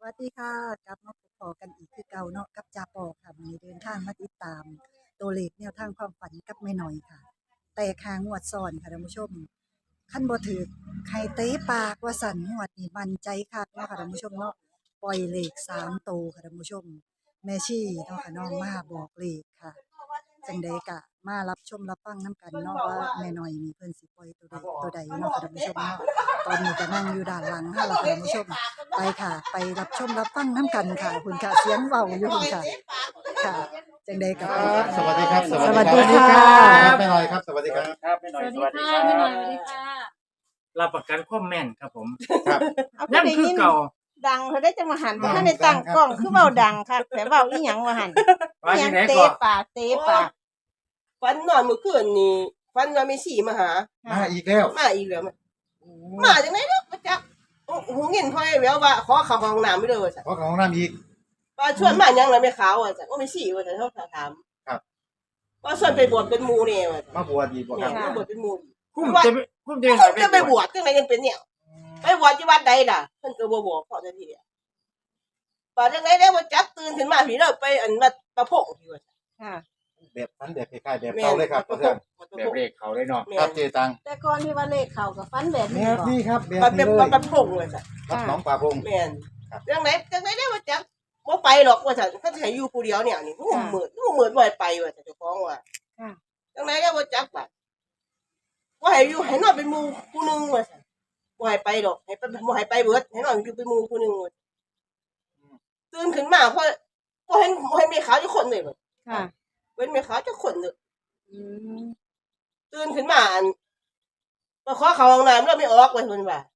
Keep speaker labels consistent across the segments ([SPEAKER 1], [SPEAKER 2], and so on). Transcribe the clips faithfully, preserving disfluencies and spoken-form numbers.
[SPEAKER 1] วัสดีค่ะกลับมาพบปอกันอีกคือเก่าเนาะกับจาปอค่ะวันนี้เดินทางมาติดตามตัวเลขแนวทางความฝันกับแม่หน่อยค่ะแต่คางวดซ้อนค่ะท่านผู้ชมขั้นบ่ถือใครเตะปากว่าสั่นงวดนี่มั่นใจคักเนาะค่ะท่านผู้ชมเนาะปล่อยเลขสามโตวค่ะท่านผู้ชมแม่ชีเนาะค่ะน้องมาบอกเลขค่ะจังใดกะมารับชมรับฟังน้ำกันเนาะว่าแม่หน่อยมีเพิ่นสิปล่อยตัวใดตัวใดเนาะค่ะท่านผู้ชมเนาะตอนนี้ก็นั่งอยู่ด้านหลังค่ะแล้วค่ะท่านผู้ชม ไปค่ะ ไปรับชมรับฟังน้ำกันค่ะคุณค่ะเสียงเบาอยู่คุณค่ะค่ะจังใดกับไปค่ะ
[SPEAKER 2] สวัสดีครับ
[SPEAKER 1] สวัสดีค่ะ
[SPEAKER 2] ครับแม่หน่อยครับ สวัสดีครับ
[SPEAKER 3] ครับแม่หน่อย
[SPEAKER 4] ส
[SPEAKER 3] ส
[SPEAKER 4] วั
[SPEAKER 3] วั
[SPEAKER 4] ส
[SPEAKER 3] ส
[SPEAKER 4] ดี
[SPEAKER 3] ดี
[SPEAKER 4] ค่ะ
[SPEAKER 3] ครั
[SPEAKER 4] พี่หน่อย
[SPEAKER 3] บ
[SPEAKER 4] สวัสดีค่ะ
[SPEAKER 3] รับประกันความแม่นครับผม
[SPEAKER 2] ครับ
[SPEAKER 4] เอา
[SPEAKER 3] ยัง
[SPEAKER 4] ได้
[SPEAKER 3] คือ
[SPEAKER 4] ยิน
[SPEAKER 3] เก่า
[SPEAKER 4] ดังเขาได้จังมาหัน
[SPEAKER 2] ดัง
[SPEAKER 4] ถ้าในตั้ง
[SPEAKER 2] ดังครับ
[SPEAKER 4] กล้องคือเบาดังค่ะแต่เบาอีหยังมาหัน
[SPEAKER 3] ว่า
[SPEAKER 4] อีห
[SPEAKER 3] ที่
[SPEAKER 4] ยัง
[SPEAKER 3] ไหน
[SPEAKER 4] เตะ
[SPEAKER 3] ก่อน
[SPEAKER 4] ปากเตะปาก
[SPEAKER 5] ฟันนอนเมื่อคืนนี่ฟันว่าไม่สี่มาหา
[SPEAKER 2] มาอีกแล้ว
[SPEAKER 5] มาอีกแล้วมาจากไหนเนาะมาจากหูเงินพ่อยแล้วว่าขอเข้าห้องน้ำไม่เลยว่าจ้ะ
[SPEAKER 2] ขอของน้ำอีก
[SPEAKER 5] ว่าชวนมายังเลยไม่ขาวว่าจ้ะว่าไม่สี่ว่าจ้ะเขาถาม
[SPEAKER 2] ครับ
[SPEAKER 5] ว่าชวนไปบวชเป็นหมูเนี่ยว่าจ้ะ
[SPEAKER 2] มาบวชอีกบ่ค
[SPEAKER 5] เนี่
[SPEAKER 2] รั
[SPEAKER 5] ย
[SPEAKER 2] บ
[SPEAKER 5] มาบวชเป็นหมู
[SPEAKER 3] คุ้มจะคุ้มจะ
[SPEAKER 5] เขาจะไปบวชจังไรยังเป็นเนี่ยไปบวชที่วัดใดล่ะเพิ่นก็บ่บอกพอจะทีเดียวป่าจังไรได้ว่าจักตื่นขึ้นมาพี่เราไปอันมาประพงที่ว่าจ้ะ
[SPEAKER 4] ค่ะ
[SPEAKER 2] แบบนั้นแบบคล้ายๆแบบเก่าเลยครับ
[SPEAKER 5] ป
[SPEAKER 2] เพื่
[SPEAKER 5] ระ
[SPEAKER 2] อน
[SPEAKER 5] พง
[SPEAKER 3] แบบเลขเขาเลยเนาะ
[SPEAKER 5] แม่
[SPEAKER 2] ครับเจตัง
[SPEAKER 4] แต่ก่อนที่ว่าเลขเขากับฟันแบบ
[SPEAKER 2] แบ
[SPEAKER 4] นี้
[SPEAKER 2] บ
[SPEAKER 4] บอก
[SPEAKER 2] นี้ครับแบบ
[SPEAKER 5] มันเป็
[SPEAKER 2] นี้
[SPEAKER 5] น
[SPEAKER 2] เลย
[SPEAKER 5] ประพงเลยจ้ะ
[SPEAKER 2] รับน้องป่าพง
[SPEAKER 5] แม่น
[SPEAKER 2] ครับ
[SPEAKER 5] จังไหนจังไหนได้ว่าจักบ่ไปหรอกว่าจะเขาจะให้อยู่ผู้เดียวเนี่ยนี่งูเหมือนงูเหมือนบ่ให้ไปว่าจะเจ้าของว่า
[SPEAKER 4] ค่ะ
[SPEAKER 5] จังไหนได้ว่าจักบัดว่าให้อยู่ให้นอนเป็นหมู่ผู้หนึงว่าซั่นบ่ให้ไปดอกให้ไปบ่ให้ไปเบิดให้นอนอยู่เป็นหมู่ผู้หนึงว่าตื่นขึ้นมาเพราะบ่เห็นบ่เห็นแม่ขาวจักคนเลยว่า
[SPEAKER 4] ค่ะ
[SPEAKER 5] เว้นแม่ขาวจักคนเลย
[SPEAKER 4] อืม
[SPEAKER 5] ตื่นขึ้นมาอันมาขอเข้าห้องน้ำแล้วไม่ออกว่าเพิ่นว่า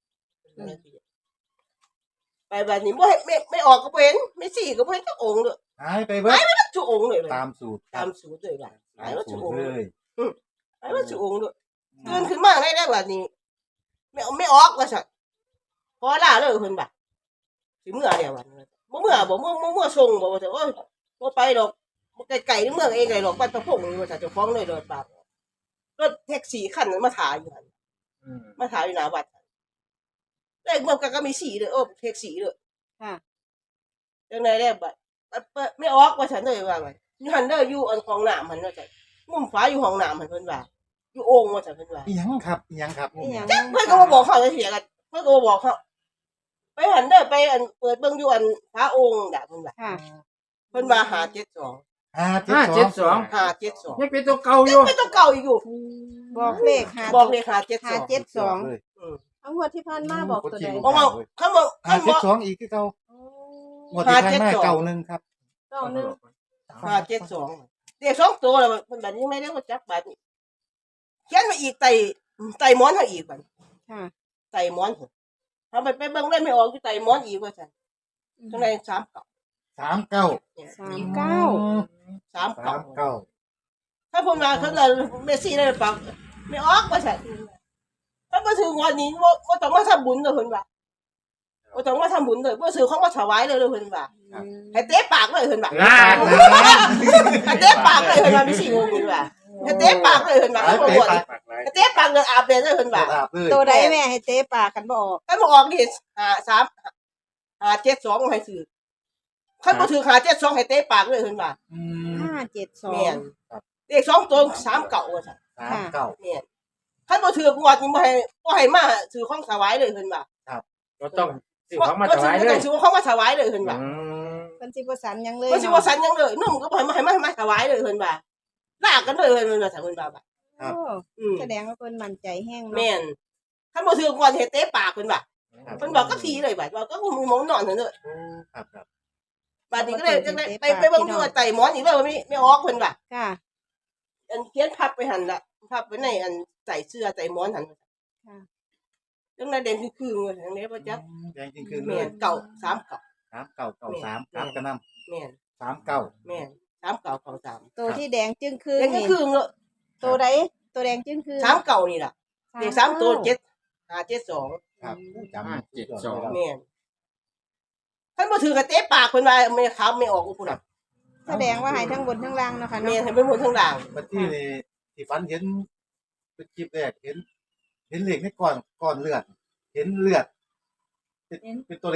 [SPEAKER 5] ไปบัดนี้บ่ให้ไม่ไม่ออกก็บ่เห็นไม่สี่ก็บ่เห็นจักองค์เลย
[SPEAKER 2] หายไปเบิด
[SPEAKER 5] ทุกองค์เลย
[SPEAKER 2] ตามสูตรค
[SPEAKER 5] ตา
[SPEAKER 2] รับ
[SPEAKER 5] มสูตรเลยล่ะหา
[SPEAKER 2] ตาย ม
[SPEAKER 5] ว่า
[SPEAKER 2] สู
[SPEAKER 5] ทุ
[SPEAKER 2] ต
[SPEAKER 5] ก
[SPEAKER 2] ร
[SPEAKER 5] องค์
[SPEAKER 2] เลย
[SPEAKER 5] หายว่าทุกองค์ด้วยตื่นขึ้นมาได้แล้วบัดนี้ไม่ไม่ออกว่าซั่นพอล่าเลยเพิ่นบัดสิเมื่อแล้วบัดบ่เมื่อบ่เมื่อเมื่อเมื่อส่งบ่ว่าแต่โอ้ยบ่ไปดอกบ่ไกลๆนี่เมืองเองไงดอกบ้านตะพงนี่ว่าจะเจ้าของเลยรถบัดรถแท็กซี่คันนั้นมาถ่ายอยู่หั่น
[SPEAKER 3] อืม
[SPEAKER 5] มาถ่ายอยู่หน้าวัดเลขมันก็มีสีเลยโอ้แท็กซี่เลย
[SPEAKER 4] ค่ะ
[SPEAKER 5] จังได๋แล้วบัดไม่ออกว่าซั่นเลยว่าว่าอยู่หั่นเด้ออยู่อันของน้ำหั่นว่าซั่นมุมฟ้าอยู่ห้องน้ำหั่นเพิ่นว่าอยู่โอ่งว่าซั่นเพิ่นว่า
[SPEAKER 2] อีหยังครับอีหยังครับ
[SPEAKER 4] อีหยัง
[SPEAKER 5] เพิ่นก็มาบอกเขาจะเสียกันเพิ่นก็มาบอกเขาไปหันเด้อไปอันเปิดเบิ่งอยู่อันพระองค์น่ะเพิ่นว่า
[SPEAKER 4] ค่ะ
[SPEAKER 5] เพิ่นว่าห้าเจ็ดสอง
[SPEAKER 2] ห้าเจ็ด
[SPEAKER 3] ห้า
[SPEAKER 2] สอ
[SPEAKER 3] เจ็
[SPEAKER 2] ง
[SPEAKER 3] ดสอง
[SPEAKER 5] ห้าเจ็ดสอง
[SPEAKER 3] ยังเป็นตัวเก่าอยู่
[SPEAKER 5] ไม่ต้องเก่าอีกอยู่
[SPEAKER 4] บอกเลขหา
[SPEAKER 5] บอกเลยห้าเจ็ดส
[SPEAKER 4] หา
[SPEAKER 5] อง
[SPEAKER 4] เจ็ดสอง
[SPEAKER 2] เลย
[SPEAKER 5] อืม
[SPEAKER 4] เอางวดที่ผ่านมาบอกตัวใด
[SPEAKER 5] เพราะว่าเขาบอก
[SPEAKER 2] ห้า
[SPEAKER 5] เขาบ
[SPEAKER 2] เจ็ด
[SPEAKER 5] อก
[SPEAKER 2] สองอีกที่เก่า
[SPEAKER 4] โอ้
[SPEAKER 2] งวดที่ผ่านมาเก่าหนึ่งครับ
[SPEAKER 4] เก้าหนึ่ง
[SPEAKER 5] ห้าเจ็ดสองเด็กสองตัวแล้วเพิ่นแบบนี้ไม่ได้ว่าจักบาดนี้เขียนมาอีกไต่ไต่หมอนเฮาอีกบัด
[SPEAKER 4] ค่ะ
[SPEAKER 5] ไต่หมอนเฮาไปไปเบิ่งได้ไม่ออกอยู่ไต่หมอนอีกว่าซั่นจังได๋สามเก่า
[SPEAKER 2] สามเก้า
[SPEAKER 5] เนี่ย
[SPEAKER 4] สามเก้า
[SPEAKER 5] สาม
[SPEAKER 2] สา
[SPEAKER 5] เก่า
[SPEAKER 2] มเก้า
[SPEAKER 5] ถ้าผมมาเขาเลยเมสซี่ได้หรือเปล่าไม่ออกว่าซั่นถ้ามาถึงวันนี้บ่บ่ต้องมาทำบุญเลยเพิ่นว่าบ่ต้องมาทำบุญเลยบ่ซื้อของมาถวายเลยเลยเพิ่นว่าให้เตะปากเลยเพิ่นว่า
[SPEAKER 3] ลาด
[SPEAKER 5] ให้เตะปากเลยเพิ่นว่ามีสี่วงเพิ่นว่าให้เตะปากเลยเพิ่นว่า
[SPEAKER 2] หาย
[SPEAKER 5] เขา
[SPEAKER 2] ไป
[SPEAKER 5] บ่บ่
[SPEAKER 2] ไป
[SPEAKER 5] ให้เตะปากเลยอาบเลยเพิ่นว่า
[SPEAKER 2] อาบเลย
[SPEAKER 4] ตัวใดแม่ให้เตะปากกันบออก
[SPEAKER 5] ถ้าบ่ออกนี่ห้า สาม ห้า เจ็ด สองให้ซื้อคันบ่ถือห้า เจ็ด สองให้เตะปากเลยเพิ่นว่า
[SPEAKER 2] อืม
[SPEAKER 4] ห้าเจ็ดสอง
[SPEAKER 5] แม่นเลขสองตัวสามเก่าว่าซั่น
[SPEAKER 2] สามเก้า
[SPEAKER 5] แม่นคันบ่ถือกวดนี่บ่ให้บ่ให้มาซื้อของถวายเลยเพิ่นว่า
[SPEAKER 3] ก็ต้องสิของมาถวายเลย
[SPEAKER 5] ซื้อของมาถวายเลยเพิ่นว่า
[SPEAKER 3] อืม
[SPEAKER 4] เป็นสิบสันยังเลย
[SPEAKER 5] บ่สิว่าสันยังเลยนุ่มก็บ่ให้มาให้มาให้มาถวายเลยเพิ่นว่าลากกันเลยเพิ่นว่าซั่นเพิ่นว่าบัด
[SPEAKER 4] โอ้
[SPEAKER 5] อืม
[SPEAKER 4] แสดงว่าเพิ่นมั่นใจแห้งเนาะ
[SPEAKER 5] แม่นคันบ่ถือกวดเฮ็ดเตะปากเพิ่นว่าเพิ่นบอกก็ทีเลยบัดว่าก็มีหมอนนอนซั่นเด้อ
[SPEAKER 2] ครับครับ
[SPEAKER 5] บัดนี้ก็เลยจังได๋ไปไปเบิ่งอยู่ว่าไต่หมอนอีกเลยว่าไม่ไม่ออกเพิ่นว่า
[SPEAKER 4] ค่ะ
[SPEAKER 5] อันเขียนพับไปหั่นล่ะพับไว้ในอันใส่เสื้อใส่หมอนหั่น
[SPEAKER 4] ค่ะ
[SPEAKER 5] จังได๋แดงคือๆว่าจังได๋บ่จัก
[SPEAKER 2] แดงจริงคืนเล
[SPEAKER 5] แม่
[SPEAKER 2] ย
[SPEAKER 5] นเก่าสามเก่า
[SPEAKER 2] สามเก้าเก้าสามครับกระน
[SPEAKER 5] แม่น
[SPEAKER 2] ำสามเก้า
[SPEAKER 5] แม่นสามเก่าเก่าสาม
[SPEAKER 4] ตัวที่แดงจึงคือ
[SPEAKER 5] แดง
[SPEAKER 4] นี่
[SPEAKER 5] คือๆเนาะ
[SPEAKER 4] ตัวใดตัวแดงจึงคือ
[SPEAKER 5] สามเก่านี่ล่ะเลขสามตัวเจ็ด ห้า เจ็ด สอง
[SPEAKER 2] ครับจำ
[SPEAKER 3] ห้าเจ็ดสอง
[SPEAKER 5] แม่นท่านบ่ถือกระเตะปากเพิ่นว่าไม่ขาวไม่ออกพุ่นน่ะ
[SPEAKER 4] แสดงว่าให้ทั้งบนทั้งล่างเนาะค่ะ
[SPEAKER 5] แม่
[SPEAKER 4] เนาะ
[SPEAKER 5] นให้เป็นหมดทั้งด่าง
[SPEAKER 2] บัดที่นี่ที่ฝันเห็นเป็นคลิปแรกเห็น เห็นเหล็กในก้อนก้อนเลือด เห็นเลือดเป็นเป็นตัวเลข
[SPEAKER 4] อ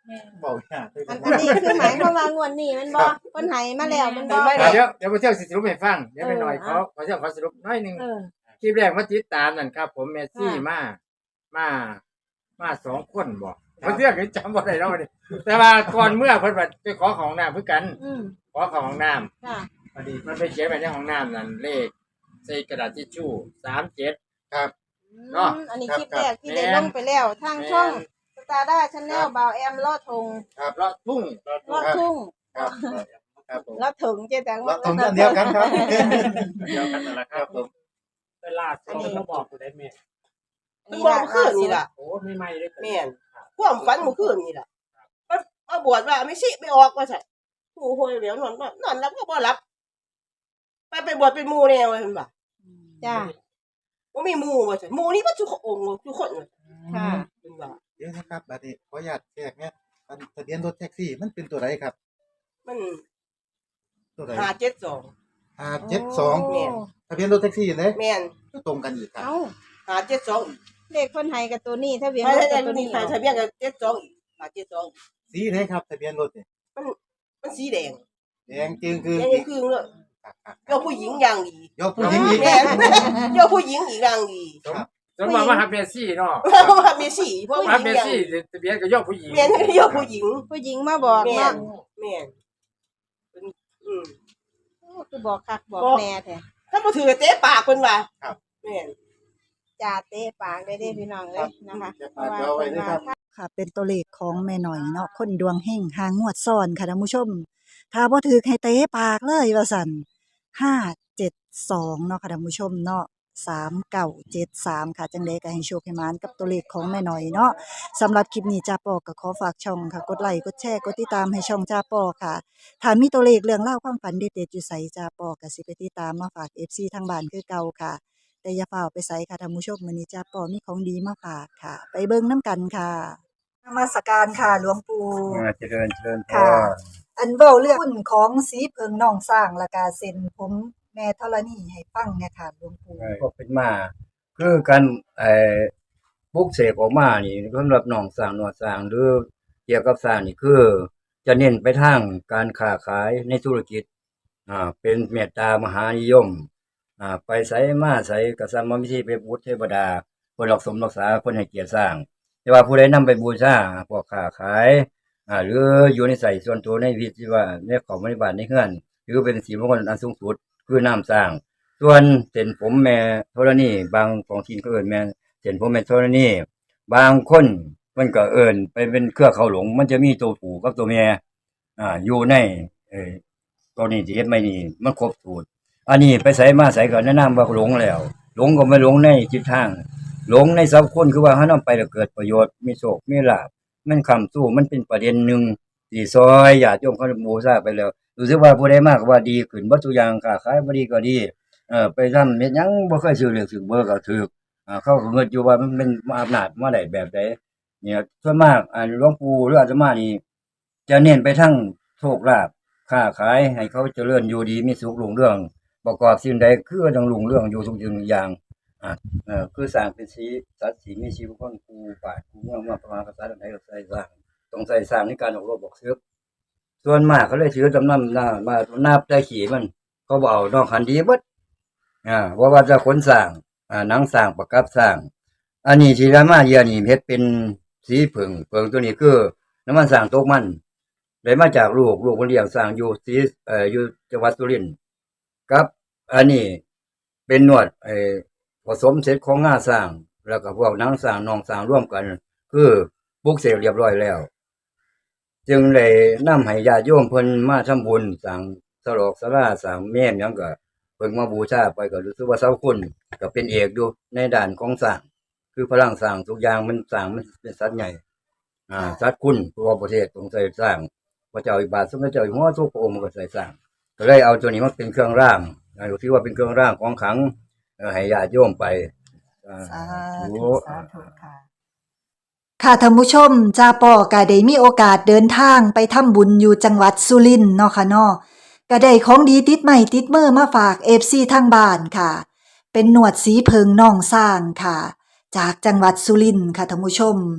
[SPEAKER 2] เบายากเลย
[SPEAKER 4] อันอันนี้คือหมายความว่างวดนี้แมันบ่เพิ่นให้มาแล้วแมันบ่
[SPEAKER 3] เดี๋ยวเดี๋ยวมาเที่ยวสิสรุปให้ฟังเดี๋ยวไปหน่อย
[SPEAKER 4] เออ
[SPEAKER 3] เขาเขาเที่ยวเขาสรุปน้อยหนึง
[SPEAKER 4] เออ
[SPEAKER 3] คลิปแรกมาติดตามนั่นครับ ผมเมสซี่
[SPEAKER 4] ค่ะ
[SPEAKER 3] มามามาสองคนบ่มาเที่ยวกันจำบ่ได้แล้วนี่แต่ว่าก่อนเมื่อเพิ่นว่าไปขอของน้ำเพื่อกัน
[SPEAKER 4] อืม
[SPEAKER 3] ขอของน้ำ
[SPEAKER 4] ค่ะ
[SPEAKER 3] พอดีมันไปเขียนไว้ในห้องน้ำนั่นเลขใส่กระดาษทิชชู่สามเจ็ด
[SPEAKER 2] ครับ เ
[SPEAKER 3] เนาะ
[SPEAKER 4] อืมอันนี้
[SPEAKER 2] ครับ
[SPEAKER 4] คลิปแรกที่
[SPEAKER 3] แม่
[SPEAKER 4] ได้
[SPEAKER 3] น
[SPEAKER 4] ลงไปแล้วทางช่อง
[SPEAKER 3] แม่น
[SPEAKER 4] สตาร์ด้าชาแนลบาวแอมลอดทง
[SPEAKER 2] ครับ
[SPEAKER 3] เลาะทุ่ง
[SPEAKER 4] ลอดทุ่ง
[SPEAKER 2] ครับครับผม
[SPEAKER 4] ลอดถึงเจ๊แตง
[SPEAKER 2] เราตรงกันเดียวกันครับ
[SPEAKER 3] เดียวกันนั่นแหละ
[SPEAKER 2] ค
[SPEAKER 3] ค
[SPEAKER 2] รั
[SPEAKER 3] รั
[SPEAKER 2] บบ ผม
[SPEAKER 3] เวลาเขาก็บอกกูได้แม่
[SPEAKER 5] เพิ่นบอกเมื่อคืนนี่ล่ะ
[SPEAKER 3] โอ้ไม่ไม่เลย
[SPEAKER 5] แม่นความฝันเมื่อคืนนี่ล่ะมามาบวชว่าไม่สิไม่ออกว่าซั่นโอ้โหเดี๋ยวนอนนอนรับก็บ่รับ ไปไปบวชเป็นหมู่แน่ว่าเพิ่นว่า
[SPEAKER 4] จ้า
[SPEAKER 5] บ่มีหมู่ว่าซั่นหมู่นี่บ่ทุกองค์ทุกคนว่า
[SPEAKER 4] ค่ะ
[SPEAKER 5] เพิ่นว่า
[SPEAKER 2] เดี๋ยวนะครับบัดนี้ขออนุญาตแทรกเนี่ยอันทะเบียนรถแท็กซี่มันเป็นตัวไหนครับ
[SPEAKER 5] มัน
[SPEAKER 2] ตัวไหน
[SPEAKER 5] ห้าเจ็ดสอง
[SPEAKER 2] ห้าเจ็ดสอง
[SPEAKER 5] แม่น
[SPEAKER 2] ทะเบียนรถแท็กซี่เลย
[SPEAKER 5] แม่น
[SPEAKER 2] ก็ตรงกันอีกครับ
[SPEAKER 4] เอ้า
[SPEAKER 5] ห้าเจ็ดสองอีก
[SPEAKER 4] เลขคนไทยกับตัวนี้ทะเบียน
[SPEAKER 5] ไม่
[SPEAKER 4] รถ
[SPEAKER 5] ใช่
[SPEAKER 4] กับตัว
[SPEAKER 5] มี
[SPEAKER 4] นี้
[SPEAKER 5] ใครทะเบียนกับเจ็ดสองอีกห้าเจ็ดสอง
[SPEAKER 2] สีไหนครับทะเบียนรถเนี่ย
[SPEAKER 5] มันสีแดง
[SPEAKER 2] แดงจึงคือ
[SPEAKER 5] แดง
[SPEAKER 2] อีก
[SPEAKER 5] คือเลย
[SPEAKER 2] ครับครับ
[SPEAKER 5] ยกผู้หญิงอย่างดี
[SPEAKER 2] ยกผู้หญิงอีก
[SPEAKER 5] แม่นยกผู้หญิงอีกอย่างดี
[SPEAKER 2] ครับ
[SPEAKER 3] สมมติว่าฮับเมสซี่เนาะ
[SPEAKER 5] ว่ามีสีเพราะผู้ห
[SPEAKER 3] ฮับ
[SPEAKER 5] ญิง
[SPEAKER 3] เมส
[SPEAKER 5] อย่าง
[SPEAKER 3] ซี่ทะเบียนก็ยกผู้หญิง
[SPEAKER 5] แม่นยกผู้หญิง
[SPEAKER 4] ผู้หญิงมาบอก
[SPEAKER 5] แม่
[SPEAKER 4] เนาะ
[SPEAKER 5] นแม่นเป็นอืม
[SPEAKER 4] โอ้คือบอกคักบอก
[SPEAKER 5] บอก
[SPEAKER 4] แน่แท้
[SPEAKER 5] ถ้าบ่ถือเตะปากเพิ่นว่า
[SPEAKER 2] ครับ
[SPEAKER 5] แม่น
[SPEAKER 4] จ่าเตะปากได้เด้พี่น้องเลยนะคะ
[SPEAKER 2] ครับ
[SPEAKER 4] เพราะว่า
[SPEAKER 2] เอาไว้
[SPEAKER 4] เพิ่น
[SPEAKER 2] ด้วยครั
[SPEAKER 4] ว่า
[SPEAKER 2] บ
[SPEAKER 1] ค่ะเป็นตัวเลขของแม่หน่อยเนาะคนดวงเฮงหางวดซ้อนค่ะท่านผู้ชม ถ้าบ่ถือให้เตะปากเลยว่าสั่นห้าเจ็ดสองเนาะค่ะท่านผู้ชมเนาะสามเก้าเจ็ดสามค่ะจังไดก็ให้โชคให้หมานกับตัวเลขของแม่หน่อยเนาะสำหรับคลิปนี้จ้าปอก็ขอฝากช่องค่ะ กดไลค์กดแชร์กดติดตามให้ช่องจ้าปอค่ะถ้ามีตัวเลขเรื่องเล่าวความฝันเด็ดๆอยู่ไสจ้าปอก็สิไปติดตามมาฝาก เอฟ ซี ทางบ้านคือเก่าค่ะ แต่อย่าเฝ้าไปไสค่ะท่านผู้ชมมื้อนี้จ้าปอมีของดีมาฝากค่ะ ไปเบิ่งนํกันค่ะนมัสการค่ะหลวงปู่
[SPEAKER 6] อ่าเจริญเจริญพ
[SPEAKER 1] ค่ะ
[SPEAKER 6] ร
[SPEAKER 1] อันเว้าเรื่องหุ้นของสีเพิงน้องสร้างและกาเซ็นผมแม่ธรณีให้ฟังเนี่ยค่ะหลวงปู่
[SPEAKER 6] ก็เป็นมา คือการไอ้ปลุกเสกออกมานี่สำหรับน้องสร้างหนวดสร้างหรือเกี่ยวกับสร้างนี่คือ จะเน้นไปทางการค้าขายในธุรกิจอ่าเป็นเมตตามหานิยมอ่าไปไสมาไสก็สร้างมาวิธีไปบูชเทวดาเพิ่นรักสมรักษาเพิ่นให้เกียรติสร้าง แต่ว่าผู้ใดนำไปบูชาพวกค้าขายอ่าหรืออยู่ในใส่ส่วนตัวในวิธีว่าในของบริบาลในเฮือนหรือเป็นสีมงคลอันสูงสุดคือน้ำสร้าง ส่วนเส้นผมแม่ธรณีบางของทีนก็เอิ้นแม่เส้นผมแม่ธรณีบางคนมันก็เอิ้นไปเป็นเครือเขาหลง มันจะมีตัวผู้กับตัวแม่อ่าอยู่ในเอ่อตัวนี้ที่เฮ็ดไม่นี่มันครบสูตรอันนี้ไปใส่มาใส่ก็แนะนำว่าหลงแล้ว หลงก็ไม่หลงในจิตทาง หลงในสัพคนคือว่าหานำไปแล้วเกิดประโยชน์มีโชคมีลาภมันคำสู้มันเป็นประเด็นหนึงที่ซอยญาติโยมเขาบูชาไปแล้วรู้สึกว่าผู้ใดมากก็ว่าดีขึ้นบ่ทุกอย่างค้าขายบ่ดีก็ดี เออไปทำเฮ็ดหยังบ่เคยซื้อเลขซื้อเบอร์ก็ถูกอ่าเขาก็เงินอยู่ว่ามันเป็นอำนาจมาได้แบบใดเนี่ยส่วนมากอ่าหลวงปู่หรืออาตมานี่จะเน้นไปทางโชคลาภค้าขายให้เขาเจริญอยู่ดีมีสุขรุ่งเรืองประกอบสิ่งใดคือต้องรุ่งเรืองอยู่ทุกสิ่งทุกอย่างอ่าเออคือสร้างเป็นสีสัตว์สีมีชีวิตคนครูป่าครูเมืองมาประมาณภาษาใดก็ใส่สร้างต้องใส่สร้างในการออกรบออกศึกส่วนมากเขาเลยถือจำนำหน้ามานับได้ขี่มันเขาบ่เอานอกคันดีเบิด อ่าว่าว่าจะขนสร้างอ่าหนังสร้างประกับสร้าง อันนี้ที่รามาเยียนี่เฮ็ดเป็นสีผึ่งเพิงตัวนี้คือน้ำมันสร้างตกมันได้มาจากลูกลูกเพิ่นเลี้ยงสร้างอยู่สีเอ่ออยู่จังหวัดสุรินทร์กับ อันนี้เป็นนวดไอ้ผสมเสร็จของงาสร้าง แล้วก็พวกหนังสร้างนองสร้างร่วมกัน คือปลุกเสกเรียบร้อยแล้ว จึงได้นำให้ญาติโยมเพิ่นมาทำบุญสร้างสลอกศาลาสร้างแม่นหยังก็ เพิ่งมาบูชาไปก็รู้สึกว่าเสาคุณก็เป็นเอกอยู่ในด้านของสร้างคือพลังสร้างทุกอย่างมันสร้างมันเป็นสัตว์ใหญ่อ่าสัตว์คุณตัวประเทศต้องใส่สร้างพระเจ้าอิบาทสมเด็จเจ้าอยู่หัวทุกพระองค์มันก็ใส่สร้างก็เลยเอาตัวนี้มาเป็นเครื่องร่างอ่าถือว่าเป็นเครื่องร่างของขลังเอ่อให้ญาติโยมไปอ่า
[SPEAKER 1] สา
[SPEAKER 6] ธุ
[SPEAKER 1] ธุสาธุค่ะ ค่ะท่านผู้ชมจ้าปอก็ได้มีโอกาสเดินทางไปทำบุญอยู่จังหวัดสุรินทร์เนาะค่ะเนาะก็ได้ของดีติดใหม่ติดมือมาฝาก เอฟ ซี ทางบ้านค่ะ เป็นหนวดสีเพิงน่องสร้างค่ะ จากจังหวัดสุรินทร์ค่ะท่านผู้ชม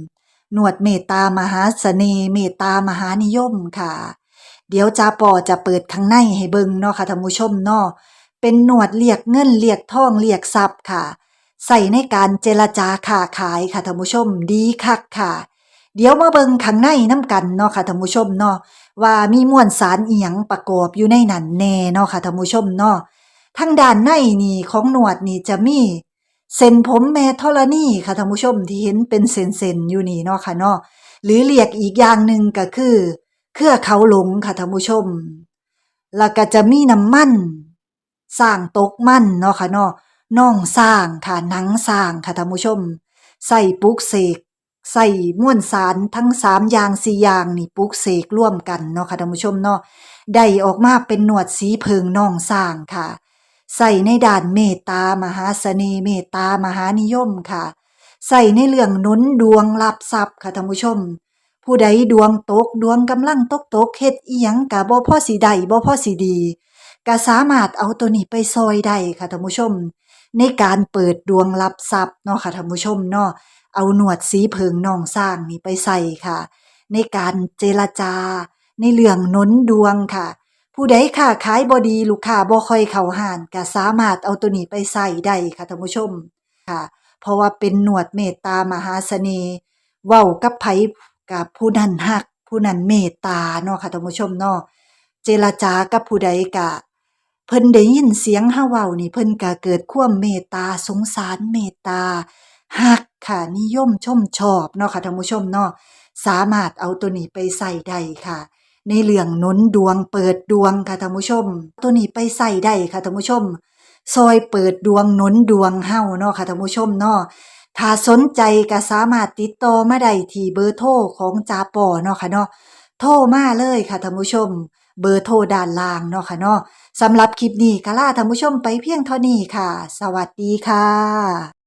[SPEAKER 1] หนวดเมตตามหาเสน่ห์เมตตามหานิยมค่ะ เดี๋ยวจาปอจะเปิดข้างในให้เบิ่งเนาะค่ะท่านผู้ชมเนาะเป็นหนวดเรียกเงินเรียกทองเรียกทรัพย์ค่ะ ใส่ในการเจรจาค้าขายค่ะท่านผู้ชมดีคักค่ะ เดี๋ยวมาเบิ่งข้างในน้ำกันเนาะค่ะท่านผู้ชมเนาะว่ามีมวลสารอีหยังประกอบอยู่ในนั้นแน่เนาะค่ะท่านผู้ชมเนาะทางด้านในนี่ของหนวดนี่จะมีเส้นผมแม่ธรณีค่ะท่านผู้ชมที่เห็นเป็นเส้นๆอยู่นี่เนาะค่ะเนาะหรือเรียกอีกอย่างหนึ่งก็คือเครือเขาหลงค่ะท่านผู้ชมแล้วก็จะมีน้ำมันสร้างตกมันเนาะค่ะเนาะน่องสร้างค่ะหนังสร้างค่ะท่านผู้ชมใส่ปลุกเสกใส่มวลสารทั้งสามอย่างสี่อย่างนี่ปลุกเสกร่วมกันเนาะค่ะท่านผู้ชมเนาะได้ออกมาเป็นหนวดสีเพิงน่องสร้างค่ะใส่ในด้านเมตตามหาเสน่ห์เมตตามหานิยมค่ะใส่ในเรื่องหนุนดวงรับทรัพย์ค่ะท่านผู้ชมผู้ใดดวงตกดวงกำลังตกตกเฮ็ดอีหยังก็บ่พอสิได้บ่พอสิดีก็สามารถเอาตัวนี้ไปซอยได้ค่ะท่านผู้ชมในการเปิดดวงรับทรัพย์เนาะค่ะท่านผู้ชมเนาะเอาหนวดสีเพิงน่องสร้างนี่ไปใส่ค่ะในการเจรจาในเรื่องหนุนดวงค่ะผู้ใดค้าขายบ่ดีลูกค้าบ่ค่อยเข้าห้านก็สามารถเอาตัวนี้ไปใส่ได้ค่ะท่านผู้ชมค่ะเพราะว่าเป็นหนวดเมตตามหาเสน่ห์เว้ากับไผกับผู้นั้นฮักผู้นั้นเมตตาเนาะค่ะท่านผู้ชมเนาะเจรจากับผู้ใดก็เพิ่นได้ยินเสียงเฮาเว้านี่เพิ่นก็เกิดความเมตตาสงสารเมตตาฮักค่ะนิยมชมชอบเนาะค่ะท่านผู้ชมเนาะสามารถเอาตัวนี้ไปใส่ได้ค่ะในเรื่องหนุนดวงเปิดดวงค่ะท่านผู้ชมตัวนี้ไปใส่ได้ค่ะท่านผู้ชมซอยเปิดดวงหนุนดวงเฮาเนาะค่ะท่านผู้ชมเนาะถ้าสนใจก็สามารถติดต่อมาได้ที่เบอร์โทรของจาปอเนาะค่ะเนาะโทรมาเลยค่ะท่านผู้ชมเบอร์โทรด้านล่างเนาะค่ะเนาะสำหรับคลิปนี้ก็ลาท่านผู้ชมไปเพียงเท่านี้ค่ะสวัสดีค่ะ